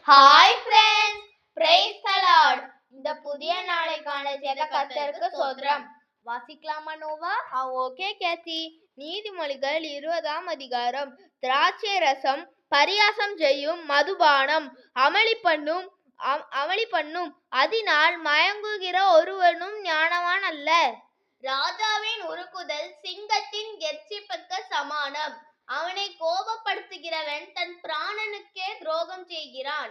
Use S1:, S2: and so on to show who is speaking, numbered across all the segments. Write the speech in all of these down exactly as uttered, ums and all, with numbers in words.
S1: Hi friends, praise the lord. இந்த புதிய நாளைக்கான செய்த கர்த்தருக்கு ஸ்தோத்திரம். வாசிக்கலாமா நோவா? ஆ ஓகே கேத்தி. நீதிமொழிகள் இருபதாம் அதிகாரம். திராட்சை ரசம் பரியாசம் செய்யும் மதுபானம் அமளி பண்ணும் அமளி பண்ணும் அதனால் மயங்குகிற ஒருவனும் ஞானவான் அல்ல. ராஜாவின் உருக்குதல் சிங்கத்தின் கெர்ச்சிப்புக்கு சமானம். அவனை கோபப்படுத்துகிறவன் தன் பிராணனுக்கே துரோகம் செய்கிறான்.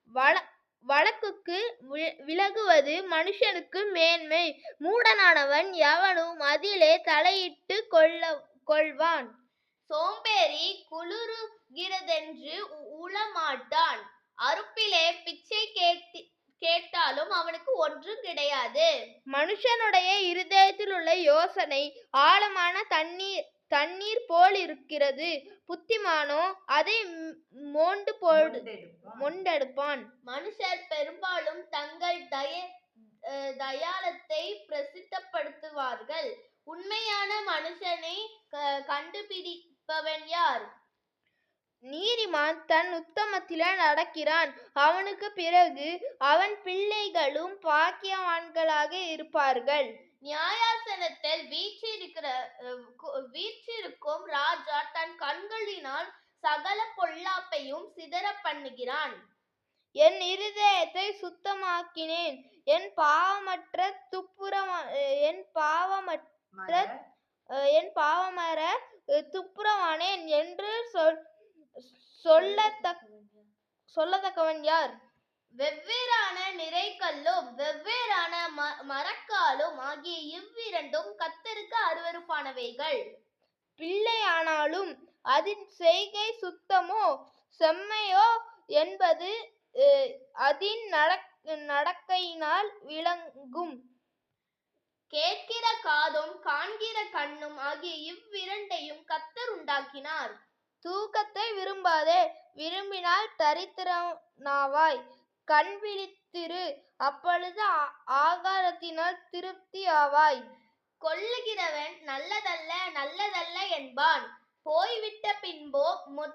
S1: வழக்குக்கு விலகுவது மனுஷனுக்கு மேன்மை. மூடனானவன் எவனும் அதிலே தலையிட்டு கொள்ள கொள்வான். சோம்பேறி குளிருகிறதென்று உளமாட்டான். அறுப்பிலே பிச்சை கேட்டு கேட்டாலும் அவனுக்கு ஒன்றும் கிடையாது. மனுஷனுடைய இருதயத்தில் உள்ள யோசனை ஆழமான தண்ணீர் தண்ணீர் போல் இருக்கிறது. புத்திமானோ அதை மோண்டு போடு மொண்டெடுப்பான். மனுஷர் பெரும்பாலும் தங்கள் தய தயாளத்தை பிரசித்தப்படுத்துவார்கள். உண்மையான மனுஷனை கண்டுபிடிப்பவன் யார்? நீதிமான் தன் உத்தமத்தில நடக்கிறான். அவனுக்கு பிறகு அவன் பிள்ளைகளும் பாக்கியவான்களாக இருப்பார்கள். நியாயாசனத்தில் வீற்றிருக்கிற வீற்றிருக்கும் ராஜா தன் கண்களினால் சகல பொல்லாப்பையும் சிதற பண்ணுகிறான். என் இருதயத்தை சுத்தமாக்கினேன், என் பாவமற்ற துப்புரமா என் பாவமற்ற என் பாவமர துப்புரவானேன் என்று சொல் சொல்லத்தக்க சொல்லத்தக்கவன் யார்? வெவ்வேறான நிறைக்கல்லும் வெவ்வேறான மரக்காலும் ஆகிய இவ்விரண்டும் கர்த்தருக்கு அருவருப்பானவைகள். பிள்ளையானாலும் அதன் செய்கை சுத்தமோ செம்மையோ என்பது அதன் நடக்கையினால் விளங்கும். கேட்கிற காதும் காண்கிற கண்ணும் ஆகிய இவ்விரண்டையும் கர்த்தர் உண்டாக்கினார். தூக்கத்தை விரும்பாதே, விரும்பினால் தரித்திரனாவாய். கண் விழித்திரு, அப்பொழுது ஆகாரத்தினால் திருப்தி ஆவாய். கொல்லுகிறவன் நல்லதல்ல நல்லதல்ல என்பான், போய்விட்ட பின்போ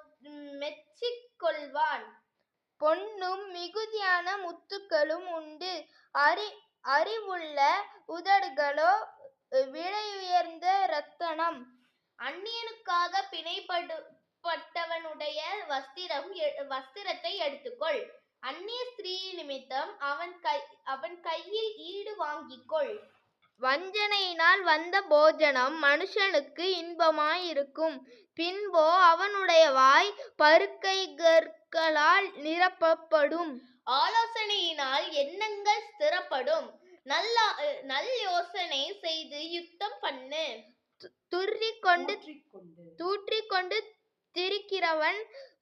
S1: மெச்சிக் கொள்வான். பொன்னும் மிகுதியான முத்துக்களும் உண்டு, அறி அறிவுள்ள உதடுகளோ விலை உயர்ந்த ரத்தனம். அந்நியனுக்காக பிணைப்பட்டவனுடைய வஸ்திரம் வஸ்திரத்தை எடுத்துக்கொள். அந்நிய ஸ்திரீ நிமித்தம் அவன் கை அவன் கையில் ஈடு வாங்கிக்கொள். வஞ்சனையினால் வந்த போஜனம் மனுஷனுக்கு இன்பமாயிருக்கும், பின்போ அவனுடைய வாய் பருக்கைகளால் நிரப்பப்படும். ஆலோசனையினால் எண்ணங்கள் ஸ்திரப்படும், நல்ல நல் யோசனை செய்து யுத்தம் பண்ணு. துர்றி கொண்டு தூற்றி கொண்டு திரிக்கிறவன்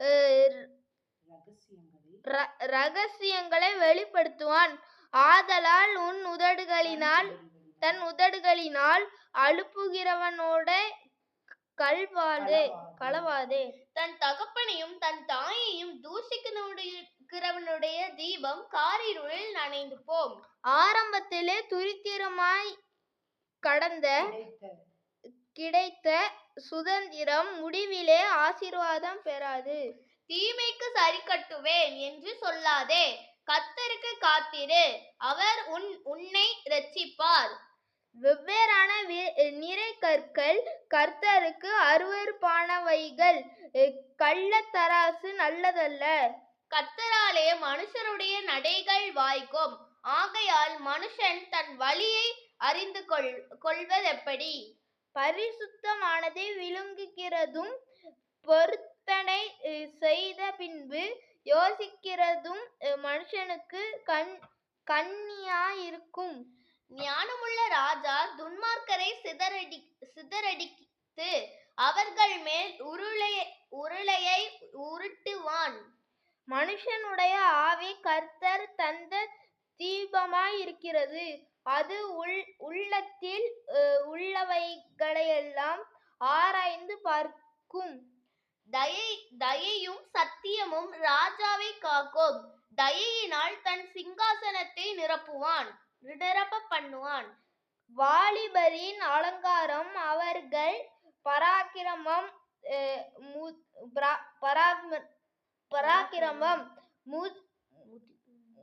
S1: ரகசியங்களை வெளிப்படுத்துவான். ஆதலால் உன் உதடுகளினால் தன் உதடுகளினால் அழுப்புகிறவனோட கல்வாதே களவாதே. தன் தகப்பனையும் தன் தாயையும் தூஷிக்கிறவனுடைய தீபம் காரிருளில் நனைந்து போம். ஆரம்பத்திலே துரித்திரமாய் கடந்த கிடைத்த சுதந்திரம் முடிவிலே ஆசீர்வாதம் பெறாது. தீமைக்கு சரி கட்டுவேன் என்று சொல்லாதே, கர்த்தருக்கு காத்திரு, அவர் உன் உன்னை இரட்சிப்பார். வெவ்வேறான நிறை கற்கள் கர்த்தருக்கு அருவருப்பானவைகள், கள்ளத்தராசு நல்லதல்ல. கர்த்தராலே மனுஷருடைய நடைகள் வாய்க்கும், ஆகையால் மனுஷன் தன் வழியை அறிந்து கொள் கொள்வதெப்படி? பரிசுத்தமானதை விழுங்குகிறதும் பொருத்தனை செய்த பின்பு யோசிக்கிறதும் மனுஷனுக்கு கண் கண்ணியாயிருக்கும். ஞானமுள்ள ராஜா துன்மார்க்கரை சிதறடி சிதறடித்து அவர்கள் மேல் உருளை உருளையை உருட்டுவான். மனுஷனுடைய ஆவி கர்த்தர் தந்த தீபமாயிருக்கிறது, அது உள் உள்ளத்தில் உள்ளவைகளையெல்லாம் ஆராய்ந்து பார்க்கும். தயை தயையும் சத்தியமும் ராஜாவை காக்கும், தயையினால் தன் சிங்காசனத்தை நிரப்புவான் நிரப்ப பண்ணுவான். வாலிபரின் அலங்காரம் அவர்கள் பராக்கிரமம் பராக்கிரமம்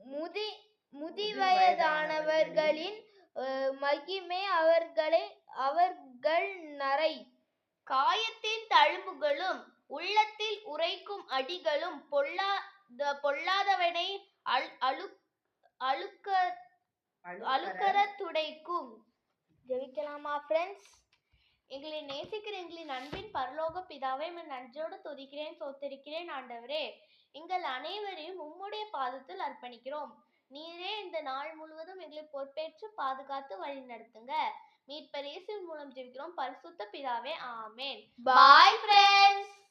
S1: முதி முதிவயதானவர்களின் மகிமை அவர்களை அவர்கள் நரை காயத்தின் தழும்புகளும் உள்ளத்தில் உரைக்கும் அடிகளும் பொல்லா பொல்லாதவனை அழு அழுக்க அழுக்கற துடைக்கும். ஜெபிக்கலாமா ஃப்ரெண்ட்ஸ்? எங்களை நேசிக்கிற எங்களின் அன்பின் பரலோக பிதாவை நன்றியோடு துதிக்கிறேன், சோத்தரிக்கிறேன். ஆண்டவரே, எங்கள் அனைவரையும் உம்முடைய பாதத்தில் அர்ப்பணிக்கிறோம். நீரே இந்த நாள் முழுவதும் எங்களை பொறுப்பேற்று பாதுகாத்து வழி நடத்துங்க. மீட்பர் இயேசுவின் மூலம் ஜெபிக்கிறோம் பரிசுத்த பிதாவே, ஆமென். Bye friends.